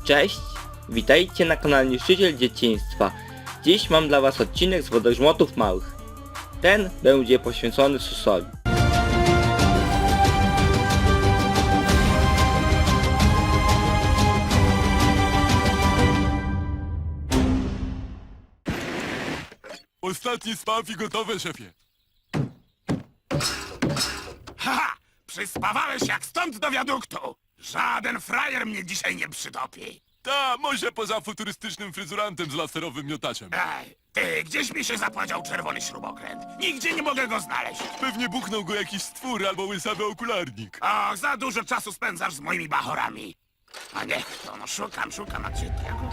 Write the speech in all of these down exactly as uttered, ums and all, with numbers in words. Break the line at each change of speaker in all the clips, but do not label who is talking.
Cześć, witajcie na kanale Niszczyciel Dzieciństwa. Dziś mam dla was odcinek z wodogrzmotów małych. Ten będzie poświęcony Susowi.
Ostatni spaw i gotowe, szefie.
Haha! Przyspawałeś jak stąd do wiaduktu! Żaden frajer mnie dzisiaj nie przytopi!
Ta, może poza futurystycznym fryzurantem z laserowym miotaczem.
Ej, ty, gdzieś mi się zapłacił czerwony śrubokręt. Nigdzie nie mogę go znaleźć.
Pewnie buchnął go jakiś stwór albo łysawy okularnik.
Och, za dużo czasu spędzasz z moimi bachorami. A niech to, no szukam, szukam, a gdzie tego?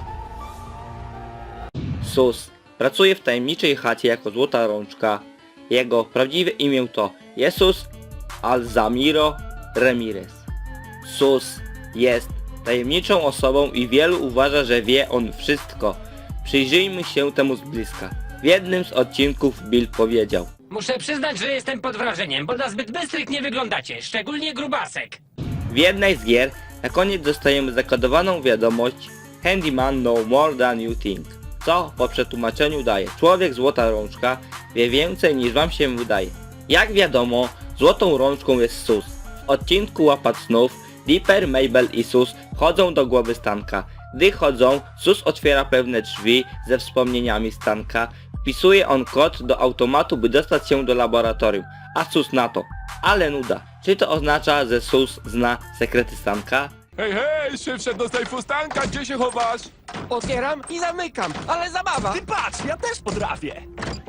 Sus pracuje w tajemniczej chacie jako złota rączka. Jego prawdziwe imię to Jesus Alzamiro Ramirez. Sus jest tajemniczą osobą i wielu uważa, że wie on wszystko. Przyjrzyjmy się temu z bliska. W jednym z odcinków Bill powiedział:
Muszę przyznać, że jestem pod wrażeniem, bo na zbyt bystrych nie wyglądacie, szczególnie grubasek.
W jednej z gier na koniec dostajemy zakodowaną wiadomość Handyman know more than you think, co po przetłumaczeniu daje: człowiek złota rączka wie więcej niż wam się wydaje. Jak wiadomo, złotą rączką jest Sus. W odcinku Łapat snów Dipper, Mabel i Sus chodzą do głowy Stanka. Gdy chodzą, Sus otwiera pewne drzwi ze wspomnieniami Stanka. Wpisuje on kod do automatu, by dostać się do laboratorium, a Sus na to: ale nuda. Czy to oznacza, że Sus zna sekrety Stanka?
Hej, hej, szef wszedł do sejfu Stanka, gdzie się chowasz?
Otwieram i zamykam, ale zabawa!
Ty patrz, ja też potrafię!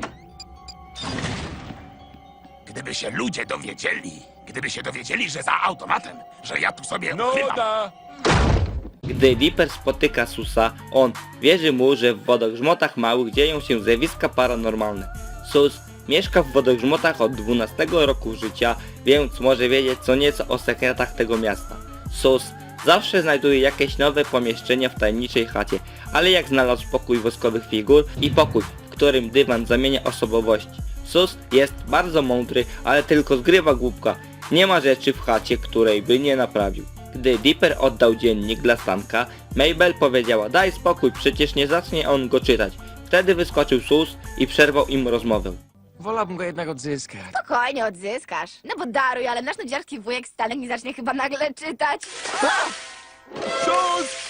Gdyby się ludzie dowiedzieli, gdyby się dowiedzieli, że za automatem, że ja tu sobie
No
ukrywam.
da!
Gdy Dipper spotyka Susa, on wierzy mu, że w wodogrzmotach małych dzieją się zjawiska paranormalne. Sus mieszka w wodogrzmotach od dwunastego roku życia, więc może wiedzieć co nieco o sekretach tego miasta. Sus zawsze znajduje jakieś nowe pomieszczenia w tajemniczej chacie, ale jak znalazł pokój woskowych figur i pokój, w którym dywan zamienia osobowości. Sus jest bardzo mądry, ale tylko zgrywa głupka. Nie ma rzeczy w chacie, której by nie naprawił. Gdy Dipper oddał dziennik dla Stanka, Mabel powiedziała: daj spokój, przecież nie zacznie on go czytać. Wtedy wyskoczył Sus i przerwał im rozmowę.
Wolałbym go jednak odzyskać.
Spokojnie odzyskasz. No bo daruj, ale nasz nudziarski wujek Stanek nie zacznie chyba nagle czytać.
Sus!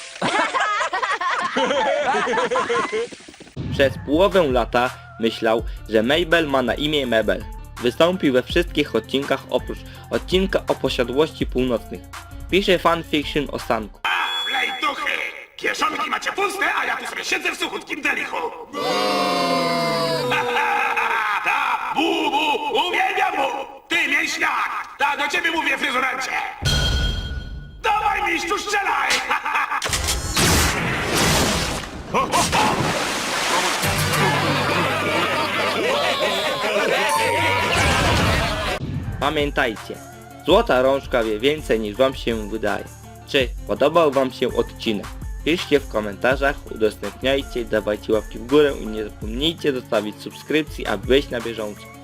Przez połowę lata myślał, że Mabel ma na imię Mabel. Wystąpił we wszystkich odcinkach oprócz odcinka o posiadłości północnych. Pisze fanfiction o Stanku.
Lej duchy! Kieszonki macie puste, a ja tu sobie siedzę w suchutkim delichu. Ta, bu, bu, uwielbiam mu! Ty, mięśniak! Ta, do ciebie mówię, fryzurancie! Dawaj, mistrzu, strzelaj!
Pamiętajcie, złota rączka wie więcej niż wam się wydaje. Czy podobał wam się odcinek? Piszcie w komentarzach, udostępniajcie, dawajcie łapki w górę i nie zapomnijcie zostawić subskrypcji, aby być na bieżąco.